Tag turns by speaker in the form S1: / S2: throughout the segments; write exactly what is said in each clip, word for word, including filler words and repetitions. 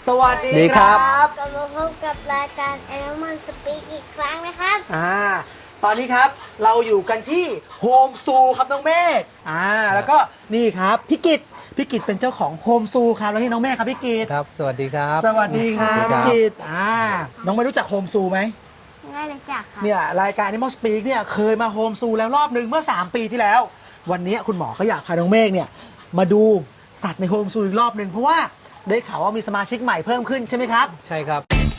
S1: สวัสดี
S2: ดี
S1: ค
S2: ครั
S1: รับ
S2: บ
S3: กลับมาพบกับรายการ Animal Speak อีกครั้งนะครับ
S1: อ่าตอนนี้ครับเราอยู่กันที่โฮมซูครับน้องเมฆอ่าแล้วก็นี่ครับพี่กิตพี่กิตเป็นเจ้าของโฮมซูครับแล้วนี่น้องเมฆครับพี่กิต
S2: ครับ สวัสดีครับ
S1: สวัสดีครับ
S2: สวัสดีครับ
S1: พี่กิตอ่าน้องไม่รู้จักโฮมซูไหม
S3: ง่ายเลยจักครับ
S1: เนี่ยรายการ Animal Speak เนี่ยเคยมาโฮมซูแล้วรอบหนึ่งเมื่อ สาม ปีที่แล้ว วันนี้คุณหมอก็อยากพาน้องเมฆเนี่ยมาดูสัตว์ในโฮมซูอีกรอบหนึ่งเพราะว่าได้ข่าวว่ามีสมาชิกใหม่เพิ่มขึ้นใช่ไหมครับ
S2: ใช่ครับ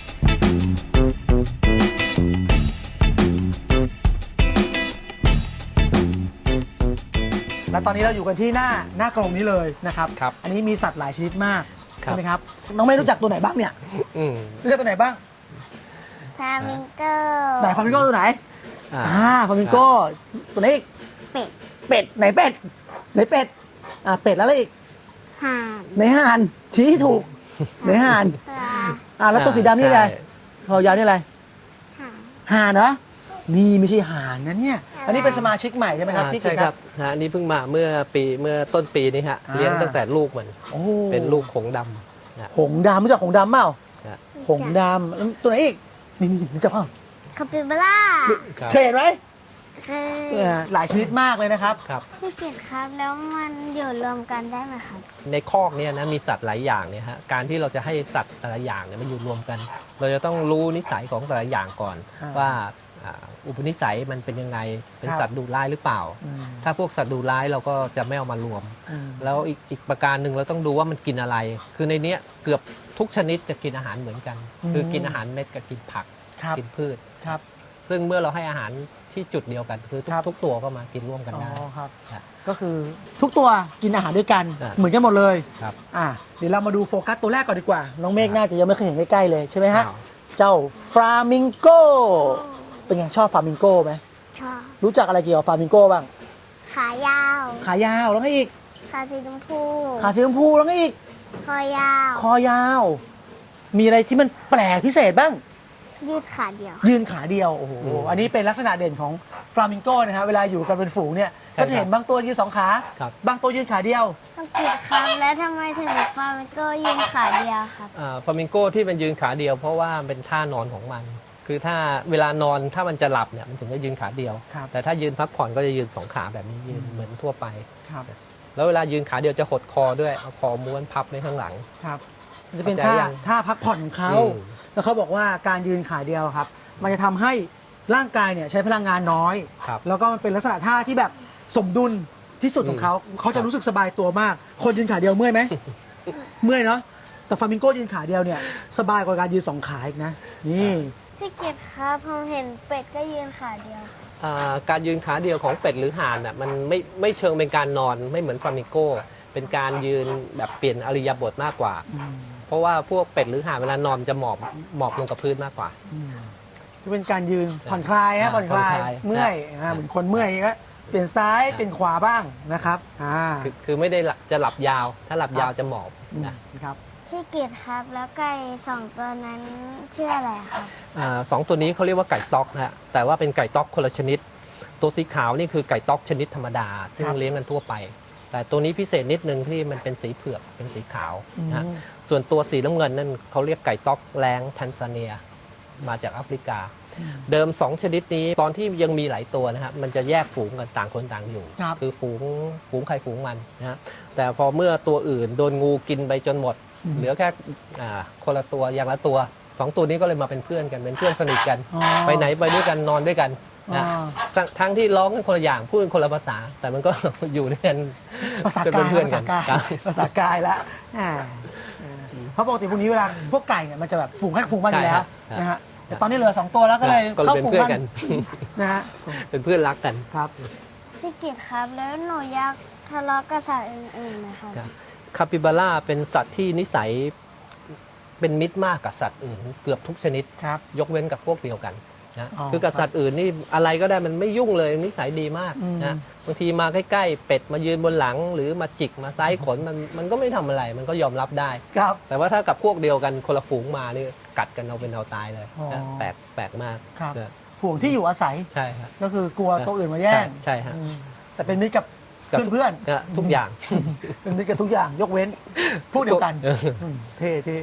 S1: และตอนนี้เราอยู่กันที่หน้าหน้ากรงนี้เลยนะครับ
S2: ครับ
S1: อันนี้มีสัตว์หลายชนิดมาก
S2: ครับ
S1: ใช่ไหมครับ น้องไม่รู้จักตัวไหนบ้างเนี่ย
S2: อืม
S1: รู้จักตัวไหนบ้าง
S3: ฟามิงโก
S1: ไหนฟามิงโก้ตัวไหน
S2: อ่า
S1: อ่าฟามิงโก้ตัวไหนอีก
S3: เป็ด
S1: เป็ดไหนเป็ดไหนเป็ดอ่าเป็ดแล้วอะไรอีก
S3: ห่าน
S1: ไหนห่านชี้ให้ถูกไหนห่าน
S3: ปลา
S1: อ่าแล้วตัวสีดำนี่อะไร
S2: ใช่
S1: คอยาวนี่อะไร
S3: ห่าน
S1: ห่านเหรอนี่ไม่ใช่ห่านนะเนี่ยอันนี้เป็นสมาชิกใหม่ใช่ไหมครับ
S2: อ่า
S1: พี่กิ
S2: ใช่
S1: ต
S2: ค
S1: ค
S2: รั
S1: รั
S2: บบ ฮะอันนี้เพิ่งมาเมื่อปีเมื่อต้นปีนี้ฮะ
S1: อ่า
S2: เลี้ยงตั้งแต่ลูกมัน
S1: โอ้
S2: เป็นลูกหงส์ดำนะ
S1: หงส์ดำรู้จักหงส์ดำเปล่า
S2: ฮะ
S1: หงส์ดำแล้วตัวไหนอีกนี่นี่รู้จักเปล่า
S3: คาปิบาร่า
S2: ครับ
S1: เคยเห็นไหม
S3: คือ
S1: เออหลายชนิดมากเลยนะครับ
S2: ครับ
S3: พี่กิตครับแล้วมันอยู่รวมกันได้ไหมครับ
S2: ในคอกเนี่ยนะมีสัตว์หลายอย่างเนี่ยฮะการที่เราจะให้สัตว์แต่ละอย่างเนี่ยมันอยู่รวมกัน เราจะต้องรู้นิสัยของแต่ละอย่างก่อน
S1: อ่า
S2: ว่าอ่าอุปนิสัยมันเป็นยังไงเป็น
S1: ครับ
S2: สัตว์ดุร้ายหรือเปล่า
S1: อืม
S2: ถ้าพวกสัตว์ดุร้ายเราก็จะไม่เอามารวม
S1: อืม
S2: แล้วอีกอีกประการหนึ่งเราต้องดูว่ามันกินอะไร คือในเนี้ยเกือบทุกชนิดจะกินอาหารเหมือนกัน
S1: อืม
S2: คือกินอาหารเม็ดกับกินผัก
S1: ครับ
S2: กินพืช
S1: ครับ
S2: ซึ่งเมื่อเราให้อาหารที่จุดเดียวกัน คือทุก
S1: ครับ
S2: ทุกตัวก็มากินร่วมกัน
S1: อ๋อ
S2: ได้
S1: ครับ
S2: ครับ
S1: ก็คือทุกตัวกินอาหารด้วยกัน
S2: อ่า
S1: เหมือนกันหมดเลย
S2: ครับ
S1: อ่ะเดี๋ยวเรามาดูโฟกัสตัวแรกก่อนดีกว่า น้องเมฆ
S2: ครับ
S1: น่าจะยังไม่เคยเห็นใกล้ๆเลยใช่ไหมฮะ
S2: อ้าว
S1: เจ้าฟลามิงโกเป็นไงชอบฟลามิงโกไหม
S3: ชอบ
S1: รู้จักอะไรเกี่ยวกับฟลามิงโกบ้าง
S3: ขายาว
S1: ขายาวแล้วก็อีก
S3: ขาสีชมพู
S1: ขาสีชมพูแล้วก็อีก
S3: คอยาว
S1: คอยาว มีอะไรที่มันแปลกพิเศษบ้าง
S3: ยืดขาเดียว
S1: ยืนขาเดียว โอ้โห
S2: อืม
S1: อันนี้เป็นลักษณะเด่นของฟลามิงโกนะฮะ เวลาอยู่กันเป็นฝูงเนี่ย
S2: ใช่
S1: ก็จะเห็น
S2: ครับ
S1: บางตัวยืนสองขา
S2: ครับ
S1: บางตัวยืนขาเดียว
S3: ต้องกิดครับแล้วทำไมถึงฟามิงโกยืนขาเดียวครับ
S2: ฟลามิงโกที่มันยืนขาเดียวเพราะว่าเป็นท่านอนของมัน คือถ้าเวลานอนถ้ามันจะหลับเนี่ยมันถึงจะยืนขาเดียว
S1: ครับ
S2: แต่ถ้ายืนพักผ่อนก็จะยืนสองขาแบบนี้ยืนเหมือนทั่วไป
S1: ครับ
S2: แล้วเวลายืนขาเดียวจะหดคอด้วยเอาคอม้วนพับไว้ข้างหลัง
S1: ครับมันจะเป็น
S2: เข้า
S1: ท่า
S2: ใจยัง
S1: ท่าพักผ่อนของเขา
S2: อืม
S1: แล้วเขาบอกว่าการยืนขาเดียวครับ มันจะทำให้ร่างกายเนี่ยใช้พลังงานน้อย
S2: ครับ
S1: แล้วก็มันเป็นลักษณะท่าที่แบบสมดุลที่สุดของเขา เขาจะรู้สึกสบายตัวมาก คนยืนขาเดียวเมื่อยไหม เมื่อยเนาะ แต่ฟลามิงโกยืนขาเดียวเนี่ยสบายกว่าการยืนสองขาอีกนะ นี่
S3: พี่กิตครับผมเห็นเป็ดก็ยืนขาเดียวครับ
S2: อ่าการยืนขาเดียวของเป็ดหรือห่านน่ะมันไม่ไม่เชิงเป็นการนอนไม่เหมือนฟลามิงโกเป็นการยืนแบบเปลี่ยนอริยบทมากกว่า เพราะว่าพวกเป็ดหรือห่านเวลานอนจะหมอบหมอบลงกับพื้นมากกว่า
S1: จะเป็นการยืนผ่อนคลายฮะ
S2: อ่า
S1: ผ่อนคลาย
S2: ผ่อนคลาย
S1: เมื่อย
S2: อ่า
S1: อ่าเหมือนคนเมื่อยก็เปลี่ยนซ้าย
S2: อ่า
S1: เปลี่ยนขวาบ้างนะครับอ่า
S2: คือคือไม่ได้หลับจะหลับยาว ถ้าหลับ
S1: ครับ
S2: ยาวจะหมอบ
S1: ม
S2: นะ
S1: ครับ
S3: พี่กิตครับแล้วไก่สองตัวนั้นชื่ออะไรครับ
S2: อ่าสองตัวนี้เขาเรียกว่าไก่ต๊อกนะฮะแต่ว่าเป็นไก่ต๊อกคนละชนิด ตัวสีขาวนี่คือไก่ต๊อกชนิดธรรมดา ซึ่ง
S1: ครับ
S2: เลี้ยงกันทั่วไป แต่ตัวนี้พิเศษนิดนึงที่มันเป็นสีเผือกเป็นสีขาวนะฮะ
S1: อืม
S2: ส่วนตัวสีน้ำเงินนั่นเขาเรียกไก่ต๊อกแรงแทนซาเนีย มาจากแอฟริกา เดิมสองชนิดนี้ตอนที่ยังมีหลายตัวนะครับมันจะแยกฝูงกันต่างคนต่างอยู่
S1: ครับ
S2: คือฝูงฝูงใครฝูงมันนะฮะแต่พอเมื่อตัวอื่นโดนงูกินไปจนหมด
S1: อืม
S2: เหลือแค่อ่าคนละตัวอย่างละตัวสองตัวนี้ก็เลยมาเป็นเพื่อนกันเป็นเพื่อนสนิทกัน
S1: อ๋อ
S2: ไปไหนไปด้วยกันนอนด้วยกันนะ
S1: อ๋อ
S2: ทั้งทั้งที่ร้องกันคนละอย่างพูดกันคนละภาษา แต่มันก็ อยู่ด้วยกัน
S1: ภาษา
S2: จะ
S1: กา
S2: เป็น
S1: ย
S2: เพื่อน
S1: ภา
S2: กั
S1: ษาน กาย
S2: ครับ
S1: ภาษากายแล้วอ่าอ่าเพราะปกติพวกนี้เวลาพวกไก่เนี่ยมันจะแบบฝูงให้ฝูงมันอยู่แล้ว
S2: ใช่ครับ
S1: นะฮะแต่ตอนนี้เหลือสองตัวแล้วก็เลย
S2: ก็เลย
S1: เข้า
S2: เป็น
S1: ฝูง
S2: เพื่อน
S1: มัน
S2: กัน
S1: นะฮะ
S2: เป็นเพื่อนรักกัน
S1: ครับ
S3: พี่กิตครับแล้วหนูอยากทะเลาะกับสัตว์อื่นๆนะครับ
S2: ครับ คาปิบาร่าเป็นสัตว์ที่นิสัยเป็นมิตรมากกับสัตว์อื่น เกือบทุกชนิด
S1: ครับ
S2: ยกเว้นกับพวกเดียวกันนะ
S1: อ๋อ
S2: คือกับสัตว์อื่นนี่อะไรก็ได้มันไม่ยุ่งเลยนิสัยดีมาก
S1: อืม
S2: นะบางทีมาใกล้ๆเป็ดมายืนบนหลัง หรือมาจิกมาไซส์ขนมันมันก็ไม่ทำอะไร มันก็ยอมรับได้
S1: ครับ
S2: แต่ว่าถ้ากับพวกเดียวกันคนละฝูงมานี่กัดกันเอาเป็นเอาตายเลย
S1: อ๋อ
S2: นะแปลกแปลกมาก
S1: ครับ
S2: นะ
S1: ห่วงที่อยู่อาศัย
S2: ใช่ครับ
S1: ก็คือกลัวตัวอื่นมาแย่ง
S2: ใช่ฮะ
S1: อืมแต่เป็นมิตรกับ
S2: กับทุก
S1: เพื่อน
S2: นะทุกอย่าง
S1: ๆเป็นมิตรกับทุกอย่างยกเว้น พวกเดียวกัน
S2: เออ
S1: อืมเท่เท่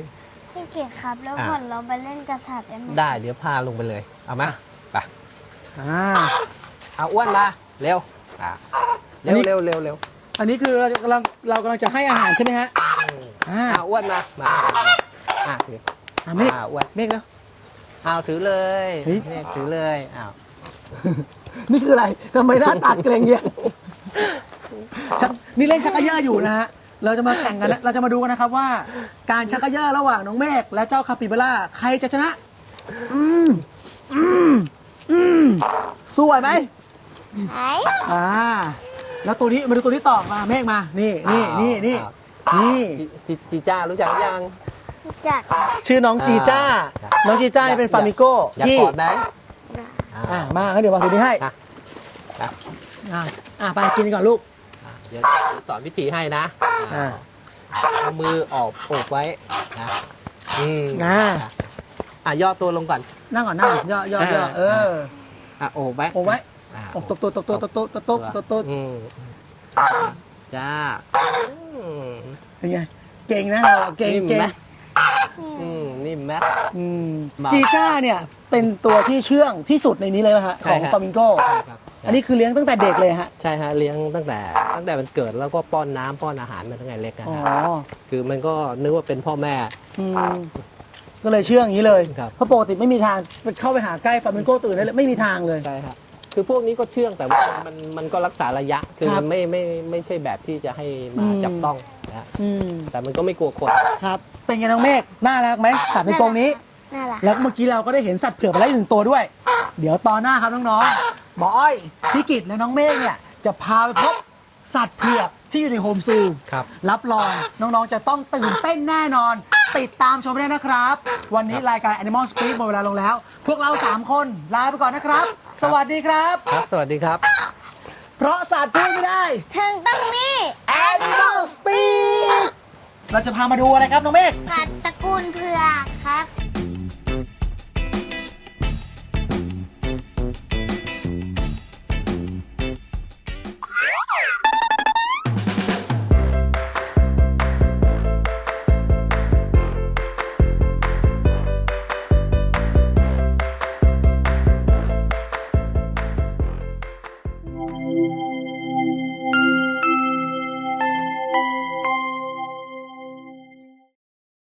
S3: พี่เกียรติครับ แล้ว
S2: อ่ะ
S3: ผ่อนเราไปเล่นกษัตริย์ได้ไหม
S2: ได้เดี๋ยวพาลงไปเลย เอามาไป
S1: อ่า
S2: เอาอ้วนมาเร็วอ่ะ
S1: อั
S2: เร็
S1: น
S2: ว
S1: นี้
S2: เร็วเร็วเร็ว
S1: อันนี้คือเรากำลังเรากำลังจะให้อาหารใช่ไหมฮะ อ่า
S2: เอาอ้วนมามาอ่ะถือ
S1: อ่าเมฆ
S2: อ่ะอ้วน
S1: เมฆแล้ว
S2: เอาถือเลย
S1: เฮ้ย
S2: เนี่ยถือเลยอ้าว
S1: นี่คืออะไรทำไมหน้าตาเกรงเงี้ยชักนี่เล่นชักกระเยอะอยู่นะฮะ เราจะมาแข่งกันนะเราจะมาดูกันนะครับว่า การชักกระเยอะระหว่างน้องเมฆและเจ้าคาปิบาร่าใครจะชนะ อืมอืมอืมสู้ไหวไหม
S3: ไหน
S1: อ่า แล้วตัวนี้มาดูตัวนี้ต่อมาเมฆมา นี่นี่นี่นี่นี่
S2: จีจีจีจ้ารู้จักยัง
S3: จัด
S1: ชื่อน้องจีจ้า
S2: อ่า
S1: น้องจีจ้านี่เป็นฟามิโก้
S2: อยาก
S1: ที่
S2: กอดไหม
S1: อ่ามางั้นเดี๋ยววางตัวนี้ให้
S2: อ่ะอ่ะ
S1: อ่าอ่าไปกินก่อนลูก
S2: อ่ะเดี๋ยวสอนวิธีให้นะ
S1: อ่า
S2: เอามือออกโอบไว้นะอืม
S1: อ่า
S2: อ่ะอ่ะย่อตัวลงก่อน
S1: นั่งก่อนนั่งก่อนย่อย่อย่อเออ
S2: อ่ะโอบไว้
S1: โอบไว้
S2: อ่ะ
S1: โอบตบตัวตบตัวตบตัวตบตัวตบตัว
S2: อืมจ้าอืม
S1: เป็นไงเก่งนะเราเก่ง
S2: นิ่ม
S1: เก่ง
S2: ไหมอืมนิ่มไหม
S1: อืม
S2: เบา
S1: จีจ้าเนี่ยเป็นตัวที่เชื่องที่สุดในนี้เลยป่ะฮะ
S2: ใช่
S1: ของ
S2: ครับ
S1: ฟามิงโก
S2: ใช่ครับ
S1: อันนี้คือเลี้ยงตั้งแต่เด็กเลยฮะ
S2: ใช่ฮะเลี้ยงตั้งแต่ตั้งแต่มันเกิดแล้วก็ป้อนน้ำป้อนอาหารมาตั้งแต่เล็กนะ
S1: อ๋อ
S2: ฮะคือมันก็นึกว่าเป็นพ่อแม่
S1: อืมก็เลยเชื่องอย่างนี้เลย
S2: ครับ
S1: เพราะปกติไม่มีทางเข้าไปหาใกล้ฟามิงโกตื่นได้เลยไม่มีทางเลย
S2: ใช่ครับคือพวกนี้ก็เชื่องแต่ว่ามันมันก็รักษาระยะ คือ
S1: ครับ
S2: มันไม่ไม่ไม่ใช่แบบที่จะให้มา
S1: อืม
S2: จับต้องนะฮะ
S1: อืม
S2: แต่มันก็ไม่กลัวคน
S1: ครับ เป็นไงน้องเมฆน่ารักไหมสัตว์ในกรงนี้
S3: น่ารัก
S1: แล้วเมื่อกี้เราก็ได้เห็นสัตว์เผือกไปแล้วอีกหนึ่งตัวด้วย เดี๋ยวตอนหน้าครับน้องๆหมออ้อยพี่กิตและน้องเมฆเนี่ยจะพาไปพบสัตว์เผือกที่อยู่ในโฮมซู
S2: ครับ
S1: รับรองน้องๆจะต้องตื่นเต้นแน่นอน ติดตามชมได้นะครับ วันนี้รายการ Animal Speak หมดเวลาลงแล้ว พวกเราสามคนลาไปก่อนนะครับ สวัสดีครับ
S2: ครับ สวัสดีครับ
S1: เพราะสัตว์พูดไม่ได้
S3: ถึงต้องมี
S1: Animal Speak เราจะพามาดูอะไรครับน้องเมฆ
S3: สัตว์ตระกูลเผือกครับ